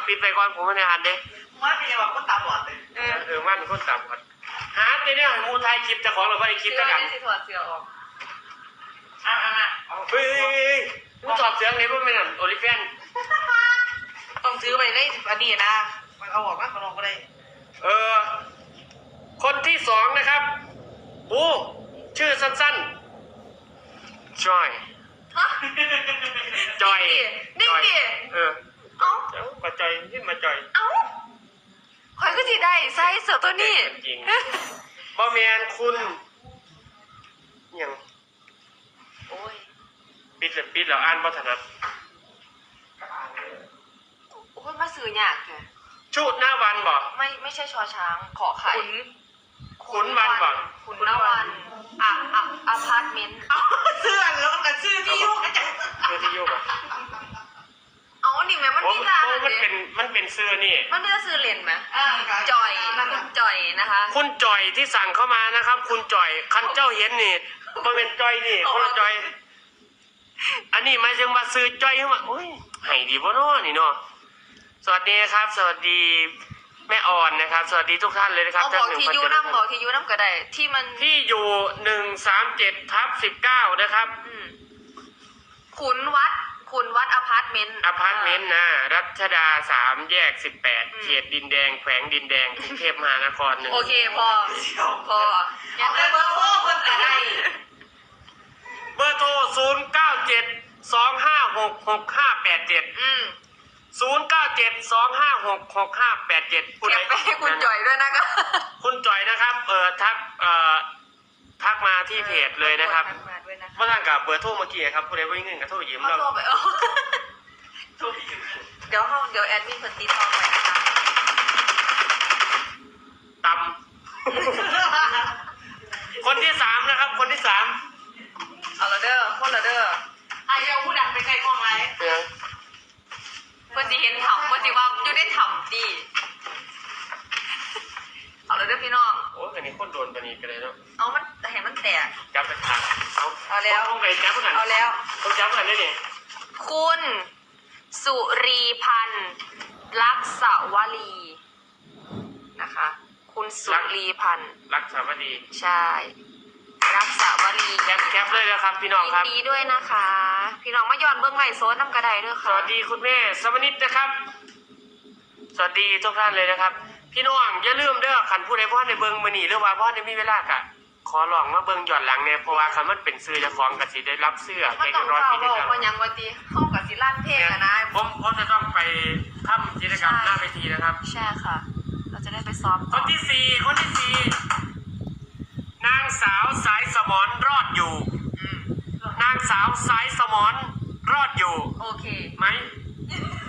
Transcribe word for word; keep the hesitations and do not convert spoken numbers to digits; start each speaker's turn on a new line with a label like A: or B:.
A: ปิดไปก่อนผมไม่ได้อ่านเด้
B: มันเป็นยังไงคนตาบอดเลย
A: เออเออมันคนตาบอดหาเดี๋ยวมูไทยคลิปจะของเราไม่ได้คลิปจะกัน
C: เสื้อสิถอดเสื้อออก
B: อ่ะอ่ะอ่ะ
A: เฮ้ยมึงถอดเสื้อไหนว่าไม่นั่นโอลิเฟน
B: ต้องซื้อไปได้อันนี้นะมันเอาออกมาขนมก็ได้
A: เออคนที่สองนะครับโอ้ชื่อสั้นๆจอย
C: ฮะ
A: จอย
C: นี่ดิ
A: เออ
C: เอ้า
A: มาจอยนี่มาจอย
C: เอ้าคอยก็สิได้ใส่เสื้อตัวนี้
A: จริงบอแมนคุณยัง
C: โอ้ย
A: ปิดเลยปิดแล้วอ่านบัถนัด
C: โอ้ยมาซื้อยากแก
A: ชุดหน้าวันบ่
C: ไม่ไม่ใช่ชอช้างขอไข่
A: ขุนวันบ่
C: ขุนนวันอ่ะอ่ะอพาร์ตเมนต์
B: เสื้อแล้วกันซื้อที่ยุ่งกันจัง
A: ซื้อที่ยุ่งอ่ะ
C: เอาหนิแม่มันมีร้าน
A: มันเป็นมันเป็นเสื้อนี่
C: มันเป็นซื้อเลนไหมจอยคุณจอยนะคะ
A: คุณจอยที่สั่งเข้ามานะครับคุณจอยคันเจ้าเห็นนี่มันเป็นจอยนี่คนละจอยอันนี้หมายถึงว่าซื้อจอยเข้ามาโอ้ยให้ดีบ่เนาะนี่เนาะสวัสดีครับสวัสดีแม่อ่อนนะครับสวัสดีทุกท่านเลยนะครับ
C: เอาบอกที่ยูน้ำบอกที่ยูน้ำก็ได้ที่มัน
A: ที่อยู่หนึ่งสามเจ็ดทับสิบเก้านะครับ
C: ขุนวัดขุนวัดอพาร์ตเมนต์
A: อพาร์ตเมนต์นะรัชดาสามแยกสิบแปดเขตดินแดงแขวงดินแดงกรุงเทพมหานครหนึ่ง
C: โอเคพอพอ
B: เอาไปเบอร์โทรคนแต่ได้
A: เบอร์โทรศูนย์เก้าเจ็ดสองห้าหกหกห้าแปดเจ็ด
C: อืม
A: ศูนย์เก้าเจ็ดสองห้าหกหกห้าแปดเจ็ด
C: เก็บไปให้คุณจ่อยด้วยนะครับ
A: คุณจ่อยนะครับเออทักเอ่อทักมาที่เพจเลยนะครับเมื่อทางกับเบอร์โทรเมื่อกี้ครับผู้ใดวิ่งเงินกับโทรยืมเรา
C: โทรไปเออเดี๋ยวห้องเดี๋ยวแอดมินคนตีทองไว้นะคะ
A: ตำคนที่สามนะครับคนที่สาม
C: เอาละเด้อคนละเด้อ
B: อายุผู้ดังไปไกลกล้องไร
A: เ
C: พื่อนจะเห็นถ่ำเพื่อนจะว่าอยู่ได้ถ่ำดีเอาเลยเด้อพี่น้อง
A: โอ้ยอันนี้คนโดนปนีกันเลยเนาะ
C: เอามันแต่เห็นมันแตก
A: จับไปทางเอา
C: เอาแล้ว
A: ต้องไปจับเพื่อน
C: เอาแล้ว
A: ต้องจับเพื่อนได้ดิ
C: คุณสุรีพันธ์ลักษวลีนะคะคุณสุรีพันธ์
A: รักษาวลี
C: ใช่รักษาวลี
A: แคปแคปเลยนะครับพี่น้องครับ
C: ดีด้วยนะคะพี่น้องมาย้อนเบื้องไหลโซนน้ำกระไดด้วยค่ะ
A: สวัสดีคุณแม่สวัสดีนะครับสวัสดีทุกท่านเลยนะครับพี่น้องอย่าลืมเด้อขันผู้ใดพ่อในเบิ้งมือหนีหรือว่าพ่อในมีเวลากะขอลองมาเบิ้งหย่อนหลังเนี่ยเพราะว่าคันมันเป็นซื้อจะฟ้องกับสีได้รับเสื้อ
C: ไม่ต้องเฝ้าบอกว่ายังวันดีห้องกับสีลั่นเพลงนะ
A: ผมผมจะต้องไปทำกิจกรรมหน้าเวทีนะครับ
C: ใช่ค่ะเราจะได้ไปซ้อม
A: คนที่สี่คนที่สี่นางสาวสายสมรรอดอยู่นางสาวสายสมรรอดอยู่
C: โอเค
A: ไหม